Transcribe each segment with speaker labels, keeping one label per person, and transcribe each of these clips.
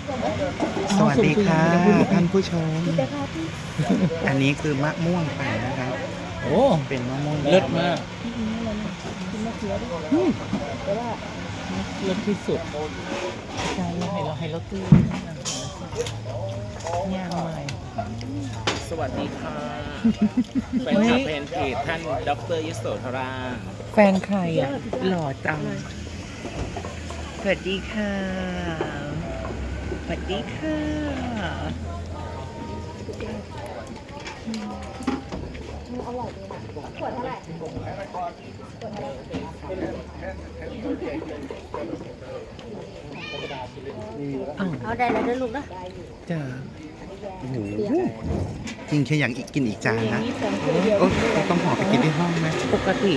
Speaker 1: สวัสดีค่ะท่านผู้ชม อันนี้คือมะม่วงปั่นนะครับ
Speaker 2: โอ้
Speaker 1: เป็นมะม่วง
Speaker 2: เลิศมาก
Speaker 1: อืม
Speaker 2: เลิศที่สุดใช่ให้เราตื้อย่างใหม่
Speaker 3: สวัสดีค่ะแฟนคลับเพนเพจท่านดรยโสธรา
Speaker 2: แฟนใครอ่ะ หล่อจัง
Speaker 1: สวัสดีค่ะ สวัสดีค่ะ
Speaker 2: อ้าว
Speaker 4: เอาได้แล้วเด้อลูกนะ
Speaker 2: จ้า
Speaker 1: โอ้โหจริงแค่อยากกินอีกจานนะโอ้ต้องห่อไปกินที่ห้องไหม
Speaker 2: ปกติ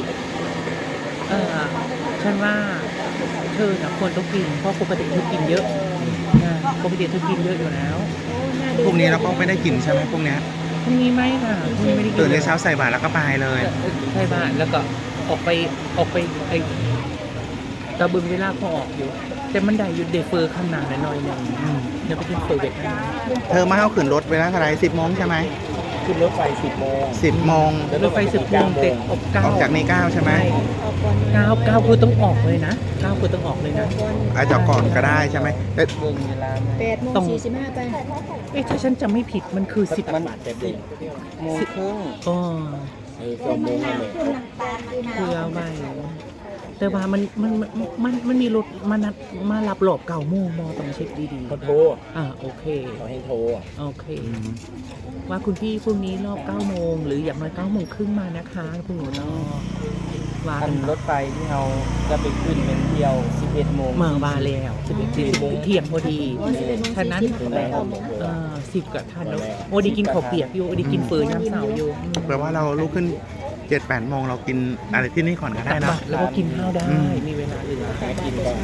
Speaker 2: ฉันว่าเธอนะควรต้องกิน เพราะปกติเธอกินเยอะนะปกติเธอกินเยอะอยู่แล้ว
Speaker 1: พรุ่งนี้เราก็ไม่ได้กินใช่ไหมพรุ่งนี้
Speaker 2: พรุ่งนี้ไม่ค่ะพรุ่งนี้ไม่ได้กิน
Speaker 1: ตื่นในเช้าใส่บาตรแล้วก็ไปเลย
Speaker 2: ใช่บ้านแล้วก็ออกไปไอ้ตะบึงเวลาพอออกอยู่ แต่มันได้อยู่เดฟเฟอร์ข้างหน้าหน่อยหนึงเดี๋ยวไปกินเฟอร์เวทนะ
Speaker 1: เธอมาเอาขึ้นรถเวลาเท่าไหร10 โมงใช่ไหม
Speaker 3: ขึ้นรถไฟ10 โมง
Speaker 1: 10 โมง
Speaker 2: รถไฟ10 โมงเต็มออก9
Speaker 1: ออกจากนี่9ใช่ไหม
Speaker 2: 9คือต้องออกเลยนะ9คือต้องออกเลยนะ
Speaker 1: อาจจะก่อนก็ได้ใช่ไหมแต่
Speaker 3: เบิ่งเวลา
Speaker 4: 8:45ไป
Speaker 2: เอ๊ะถ้าฉันจำไม่ผิดมันคือ10
Speaker 3: มันแต่เด็กโมงครึ่ง
Speaker 2: อ๋อ
Speaker 3: เกือบโมงแล้วเลย
Speaker 2: เพื่อไว้แต่ว่ามันมีรถมารับหลบ9 โมงมอต้องเช็คดี
Speaker 3: เขาโทร
Speaker 2: โอเค
Speaker 3: เขาให้โทร
Speaker 2: โอเค ว่าคุณพี่พรุ่งนี้รอบ9 โมงหรืออย่างน้อย9 โมงครึ่งมานะคะคุณหนูเนาะว่า
Speaker 3: อั
Speaker 2: กัน น
Speaker 3: รถไฟที่เราจะไปขึ้นเป็นเที่ยว 11 โมง
Speaker 2: เมื่อวานแล้ว11 เที่ยงพอดีฉะนั้น 10กับทันแล้วโอ้ดีกินข้าวเปียกอยู่โอ้ดีกินเฟอร์ย่ำเสาอยู่
Speaker 1: แปลว่าเราลุกขึ้น 7-8 โมงเรากินอะไรที่นี่ก่อนก็ได้
Speaker 2: ตัก
Speaker 1: นะ
Speaker 2: บาตรแล้วก็กินข้าวได้
Speaker 1: อืม
Speaker 2: มีเวลาเหลือ
Speaker 3: หากินก่อน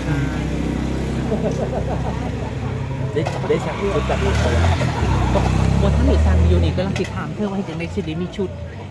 Speaker 3: ได้สั่งชุดจากเขา
Speaker 2: บนท่านหรือซันอยู่นี่ก็ลังติดถามเธอว่าจะในสิริมีชุด